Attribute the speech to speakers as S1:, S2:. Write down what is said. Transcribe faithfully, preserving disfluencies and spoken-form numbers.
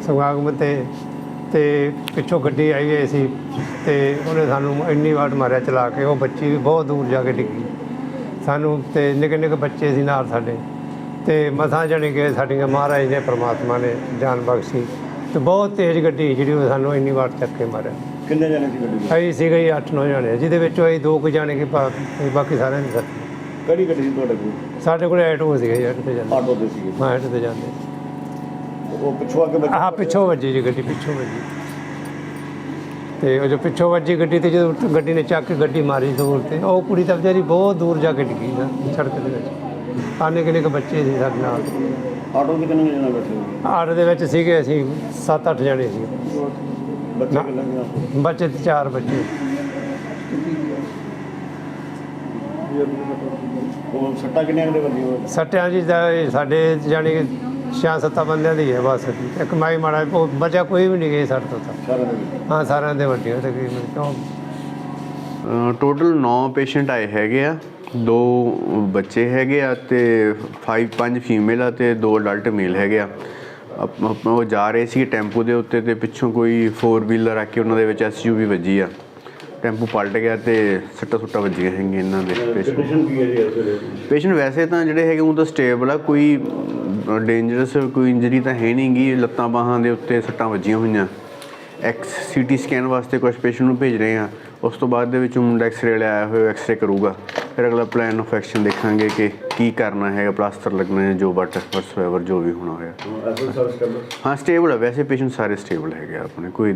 S1: ਸਮਾਗਮ 'ਤੇ ਤੇ ਪਿੱਛੋਂ ਗੱਡੀ ਆਈ ਹੋਈ ਸੀ ਤੇ ਉਹਨੇ ਸਾਨੂੰ ਇੰਨੀ ਵਾਰ ਮਾਰਿਆ ਚਲਾ ਕੇ, ਉਹ ਬੱਚੀ ਵੀ ਬਹੁਤ ਦੂਰ ਜਾ ਕੇ ਡਿੱਗੀ ਸਾਨੂੰ। ਤੇ ਨਿੱਕੇ ਨਿੱਕੇ ਬੱਚੇ ਸੀ ਨਾਲ ਸਾਡੇ, ਤੇ ਮਸਾਂ ਜਾਣੀ ਕਿ ਸਾਡੀਆਂ ਮਹਾਰਾਜ ਨੇ ਪ੍ਰਮਾਤਮਾ ਨੇ ਜਾਨ ਬਖਸ਼ੀ। ਤੇ ਬਹੁਤ ਤੇਜ਼ ਗੱਡੀ ਜਿਹੜੀ ਉਹ ਸਾਨੂੰ ਇੰਨੀ ਵਾਰ ਚੱਕ ਕੇ ਮਾਰਿਆ।
S2: ਕਿੰਨੇ ਜਣੇ ਸੀ ਗੱਡੀ?
S1: ਅਸੀਂ ਸੀਗੇ ਜੀ ਅੱਠ ਨੌ ਜਾਣੇ, ਜਿਹਦੇ ਵਿੱਚੋਂ ਅਸੀਂ ਦੋ ਕੁ ਜਾਣੇ ਕਿ ਬਾ- ਬਾਕੀ ਸਾਰਿਆਂ ਨੇ ਸਰ।
S2: ਕਿਹੜੀ ਗੱਡੀ ਸੀ ਤੁਹਾਡੇ ਕੋਲ?
S1: ਸਾਡੇ ਕੋਲ ਐਟੋ ਸੀਗੇ ਜੀ, ਐਟੋ 'ਤੇ ਜਾਂਦੇ।
S2: ਆਟੋ ਤੇ ਸੀਗੇ?
S1: ਹਾਂ, ਐਟੋ 'ਤੇ ਜਾਂਦੇ।
S2: ਉਹ ਪਿੱਛੋਂ ਆ ਕੇ ਵੱਜੀ?
S1: ਆਹ ਪਿੱਛੋਂ ਵੱਜੀ ਜੀ ਗੱਡੀ, ਪਿੱਛੋਂ ਵੱਜੀ। ਤੇ ਉਹ ਜੋ ਪਿੱਛੋਂ ਵੱਜੀ ਗੱਡੀ ਤੇ ਜਦੋਂ ਗੱਡੀ ਨੇ ਚੱਕ ਕੇ ਗੱਡੀ ਮਾਰੀ ਦੂਰ, ਤੇ ਉਹ ਕੁੜੀ ਤਾਂ ਵਿਚਾਰੀ ਬਹੁਤ ਦੂਰ ਜਾ ਕੇ ਡਿੱਗੀ ਨਾ ਸੜਕ ਦੇ ਵਿੱਚ। ਆਨੇ ਕਿੰਨੇ ਕੁ ਬੱਚੇ ਸੀ ਸਾਡੇ ਨਾਲ।
S2: ਆਟੋ 'ਤੇ ਕਿੰਨੇ ਜਣੇ ਬੈਠੇ ਹੋਏ?
S1: ਆਟੋ ਦੇ ਵਿੱਚ ਸੀਗੇ ਅਸੀਂ ਸੱਤ ਅੱਠ ਜਣੇ ਸੀ।
S2: ਬੱਚੇ ਕਿੰਨੇ ਕੁ?
S1: ਬੱਚੇ ਤੇ ਚਾਰ ਬੱਚੇ।
S2: ਉਹ ਸੱਟਾਂ ਕਿੰਨੀਆਂ ਦੇ ਵੱਜੀਆਂ?
S1: ਸੱਟਿਆਂ ਜੀ ਦਾ ਇਹ ਸਾਡੇ ਜਾਣੀ ਕਿ ਛੇ ਸੱਤਾਂ ਬੰਦਿਆਂ ਦੀ ਹੈ ਬਸ। ਇੱਕ ਮਾਈ ਮਾੜਾ ਉਹ ਬਚਾ ਕੋਈ ਵੀ ਨਹੀਂ ਗਏ ਸੱਟ ਤੋਂ ਤਾਂ।
S2: ਸਾਰਿਆਂ ਦੇ ਵਿੱਚ?
S1: ਹਾਂ, ਸਾਰਿਆਂ ਦੇ ਵੱਡੀਆਂ ਤਕਰੀਬਨ। ਕਿਉਂ
S3: ਟੋਟਲ ਨੌ ਪੇਸ਼ੈਂਟ ਆਏ ਹੈਗੇ ਆ, ਦੋ ਬੱਚੇ ਹੈਗੇ ਆ ਤੇ ਫਾਈਵ ਪੰਜ ਫੀਮੇਲ ਆ ਤੇ ਦੋ ਅਡਲਟ ਮੇਲ ਹੈਗੇ ਆ। ਆਪ- ਉਹ ਜਾ ਰਹੇ ਸੀ ਟੈਂਪੂ ਦੇ ਉੱਤੇ ਤੇ ਪਿੱਛੋਂ ਕੋਈ ਫੋਰ ਵੀਲਰ ਆ ਕੇ ਉਹਨਾਂ ਦੇ ਵਿੱਚ ਐਸ ਯੂ ਵੀ ਵੱਜੀ ਆ। ਟੈਂਪੂ ਪਲਟ ਗਿਆ ਤੇ ਸੱਟਾਂ ਸੁੱਟਾਂ ਵੱਜੀਆਂ ਹੈਗੀਆਂ ਇਹਨਾਂ ਦੇ ਪੇਸ਼ੈਂਟ।
S2: ਕੰਡੀਸ਼ਨ ਕੀ ਹੈ ਜੀ ਇਸ ਵੇਲੇ?
S3: ਪੇਸ਼ੈਂਟ ਵੈਸੇ ਤਾਂ ਜਿਹੜੇ ਹੈਗੇ ਉਹ ਤਾਂ ਸਟੇਬਲ ਆ, ਕੋਈ ਡੇਂਜਰਸ ਕੋਈ ਇੰਜਰੀ ਤਾਂ ਹੈ ਨਹੀਂ ਗੀ। ਲੱਤਾਂ ਬਾਹਾਂ ਦੇ ਉੱਤੇ ਸੱਟਾਂ ਵੱਜੀਆਂ ਹੋਈਆਂ। ਐਕਸ ਸੀ ਟੀ ਸਕੈਨ ਵਾਸਤੇ ਕੁਛ ਪੇਸ਼ੈਂਟ ਨੂੰ ਭੇਜ ਰਹੇ ਹਾਂ। ਉਸ ਤੋਂ ਬਾਅਦ ਦੇ ਵਿੱਚ ਮੁੰਡਾ ਐਕਸਰੇ ਵਾਲਾ ਆਇਆ ਹੋਇਆ, ਐਕਸਰੇ ਕਰੂਗਾ। ਫਿਰ ਅਗਲਾ ਪਲਾਨ ਆਫ ਐਕਸ਼ਨ ਦੇਖਾਂਗੇ ਕਿ ਕੀ ਕਰਨਾ ਹੈਗਾ, ਪਲਾਸਟਰ ਲੱਗਣਾ ਹੈ, ਜੋ ਬਟ ਵਟਸਐਵਰ ਜੋ ਵੀ ਹੋਣਾ ਹੋਇਆ।
S2: ਐਸਲ ਸਰਵਿਸ ਕਰ ਲਓ।
S3: ਹਾਂ, ਸਟੇਬਲ ਹੈ ਵੈਸੇ ਪੇਸ਼ੈਂਟ ਸਾਰੇ ਸਟੇਬਲ ਹੈਗੇ ਆ ਆਪਣੇ, ਕੋਈ